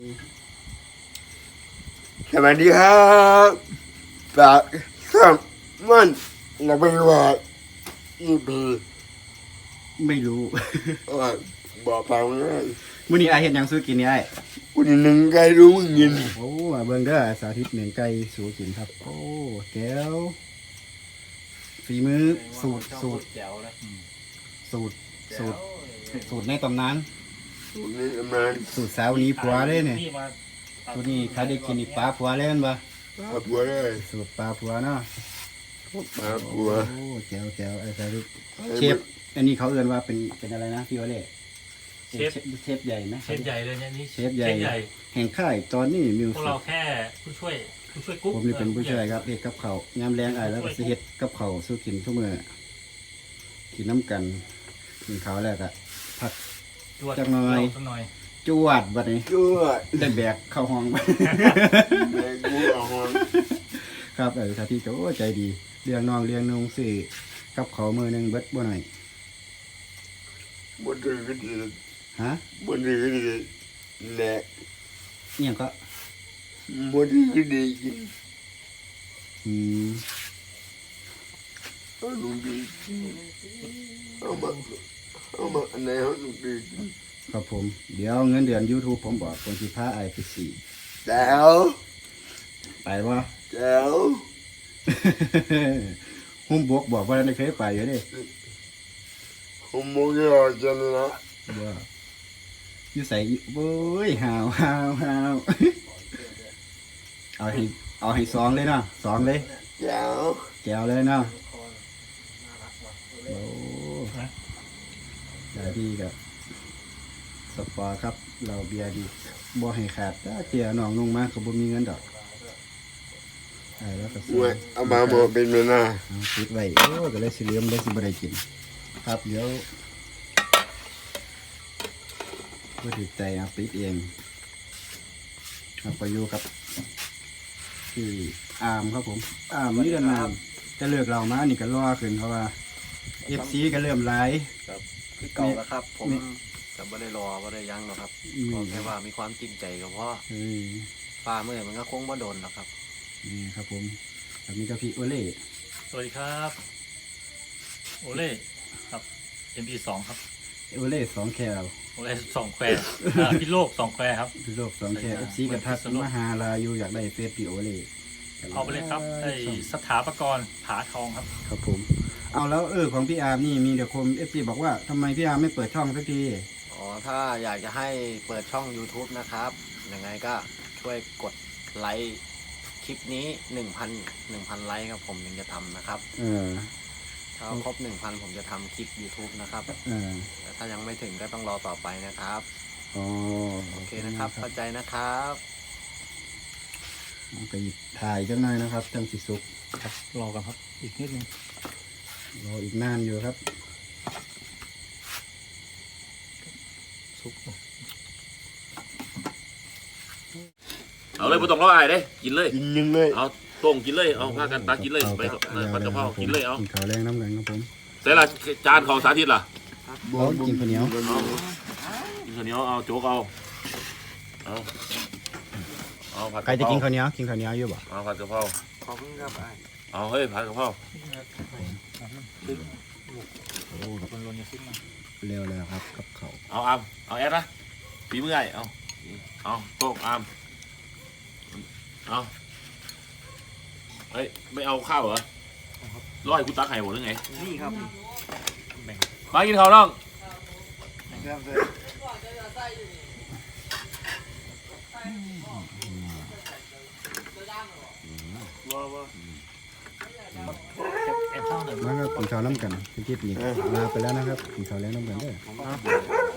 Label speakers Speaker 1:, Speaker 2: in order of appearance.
Speaker 1: สวัสดีครับฝากช่องมันเราไปว่าอีพี
Speaker 2: ไม่รู้
Speaker 1: บอกฟังเลย
Speaker 2: มื้อนี้อ้ายเฮ็ดหยังสู้กินนี่อ้าย
Speaker 1: คุณหนึ่งใครรู้มึงยิน
Speaker 2: โอ้มาเบิ่งเด้อสาธิตเหม่งไก่สู้กินครับ โอ้แก้วฝีมือสูตร
Speaker 3: แจ๋วเลย
Speaker 2: สูตรในตำนาน
Speaker 1: คุณนี่ทำงาน
Speaker 2: สูตรสาวนี้ผัวเลยเนี่ย
Speaker 3: พี่มา
Speaker 2: ตัวนี้ใครได้กินนี่ปลาผัวเลยแม่นบ่
Speaker 1: ปลาบัวเลย
Speaker 2: สูตรปลาผัวเนาะ
Speaker 1: ปลาบัว
Speaker 2: โอ้แก้วไอ้สาธิตเชฟอันนี้เขาเอิ้นว่าเป็นอะไรนะพี่โอเล่เชฟใหญ่นะ
Speaker 3: เชฟใหญ่เลยเนี่ยนี่
Speaker 2: เชฟใหญ่แห่งค่ายตอนนี้มิว
Speaker 3: พวก
Speaker 2: สิ
Speaker 3: เรา
Speaker 2: ก
Speaker 3: แค่ผู้ช่วยกุ๊ก
Speaker 2: ผมนี่เป็นผู้ช่วยครับเฮ็ดกับเขาวยามแรงอ้ายแล้วก็สิเฮ็ดกับเขาวสู้กินทุกมื้อกินน้ำกันกินข้าวแล้วก็พัก จักหน่อย
Speaker 3: สักหน่อย
Speaker 2: จวดบัดนี้
Speaker 1: ชั่ว
Speaker 2: ได้แบกเข้าห้องไป
Speaker 1: แม่กูเอาหอน
Speaker 2: ครับสาธิตก็โอ้ใจดีเลี้ยงน้องเลี้ยงนุ่งซื้อกับเขาวมื้อหนึงเบิดบ่หน่อย
Speaker 1: บนถือก็ดี
Speaker 2: ฮะ
Speaker 1: บนถือก็ดีแหละ
Speaker 2: อิหยังก็
Speaker 1: บนถือก็ดีกิน
Speaker 2: อืม
Speaker 1: เอาหนุ่มดีกินเอามาอันไหนเอาหนุ่มดีกิน
Speaker 2: ครับผมเดี๋ยวเงินเดือน YouTube ผมบอกผมสิพาอ้ายไปสี่
Speaker 1: แจ๋ว
Speaker 2: ไปบ่
Speaker 1: แจ๋ว
Speaker 2: หุ้มบวกบอกว่าได้เคยไปอยู่เด้
Speaker 1: ผมมองยอดจังละ
Speaker 2: บ่อยู่ใส่โอ้ยหาว เอาให้สองเลยเนาะสองเลย
Speaker 1: แจ๋ว
Speaker 2: แก้วเลยเนาะโอ้ได้ดีกับสปอร์ครับ เราเบียร์ดีบ่ให้ขาดถ้าเจียน้องลงมาก็บ่มีเงินดอกได้แล้วก็
Speaker 1: มวยเอามาบอกเป็นเวลา
Speaker 2: เอาปิดไว้โอ้ก็เลยสิเหลือมเลยสิบ่ได้กิน ครับเดี๋ยวบ่ติดใจเอาปิดเองครับไปอยู่กับที่อาร์มครับผมอาร์มนี่กันนานจะเลิกเรามานี่ก็รอขึ้นเพราะว่า FC ก็เริ่มหลาย
Speaker 4: คือเก่าแล้วครับ ผมจะไม่ได้รอไม่ได้ยั้งหรอกครับขอแค่ว่ามีความจริงใจก็พอ
Speaker 2: เออ
Speaker 4: ป้าเมื่อมันก็คงบ่โดนหรอกครับ
Speaker 2: นี่ครับผมแบบนี้ก็พี่โอเล่
Speaker 3: สวัสดีครับโอเล่ครับ MP2 ครับ
Speaker 2: โอเล่สองแคล
Speaker 3: โอเล่สองแควพี่โลกสองแควครับ
Speaker 2: พี่โลกสองแคล FC กับทักมาหาลาอยู่อยากได้เฟซพี่โอเล่
Speaker 3: เอาไปเลยครับไอ้สถาปกรณ์ผาทองครับ
Speaker 2: ครับผม เอาแล้วของพี่อาร์มนี่มีเดี๋ยวคม FC บอกว่าทำไมพี่อาร์มไม่เปิดช่องสักที
Speaker 4: อ๋อถ้าอยากจะให้เปิดช่อง YouTube นะครับยังไงก็ช่วยกดไลค์คลิปนี้ 1,000 ไลค์ครับผมถึงจะทำนะครับ
Speaker 2: เออ
Speaker 4: ถ้าครบ 1,000 ผมจะทำคลิป YouTube นะครับ
Speaker 2: เออ
Speaker 4: แต่ถ้ายังไม่ถึงก็ต้องรอต่อไปนะครับ
Speaker 2: อ๋อ
Speaker 4: โอเคนะครับเข้าใจนะครับ
Speaker 2: ไปถ่ายจังหน่อยนะครับจังสิสุก
Speaker 3: ครับรอกันครับอีกนิดนึง
Speaker 2: รออีกนานอยู่ครับ
Speaker 3: ซุป
Speaker 5: เอาเลยไม่ต้องรออายเด้กินเลย
Speaker 1: กินยังเลย
Speaker 5: เอาต้งกินเลย เอาพากันตากินเลยไปผัดกะเพรากินเลยเอา
Speaker 2: กินข้าวแรงน้ำแรงครับผม
Speaker 5: แต่ละจานของสาธิตล่ะ
Speaker 2: เอากินข้าวเหนียว
Speaker 5: กินข้าวเหนียวเอาโจ๊กเอาเอาผัด
Speaker 2: ใคร
Speaker 5: กะเพ
Speaker 2: จะ
Speaker 5: รา
Speaker 2: กินข้าวเหนียวอยู่บ่
Speaker 5: เอาผัดกะเพรา
Speaker 4: ขอบคุณครับ
Speaker 5: เอาเฮ้ยผัดกะเพรา
Speaker 2: โอ้ครับ
Speaker 3: คนลนจะขึ้นมา
Speaker 2: เร็วแล้วครับกับเขาว
Speaker 5: เอาเอาแอดนะปีเมื่อยเอาโต๊ะอามเอาเฮ้ยไม่เอาข้าวเหรอร้อยกูตักไข่หมดหรือไง
Speaker 4: นี่ครับ
Speaker 5: มากินข้าวน้อง
Speaker 3: แอบเข้าหน่อย
Speaker 2: แล้วก็กินข้าวน้ำกันพี่ทิพย์นี่ลาไปแล้วนะครับกินข้าวแรงน้ำกันเด้อ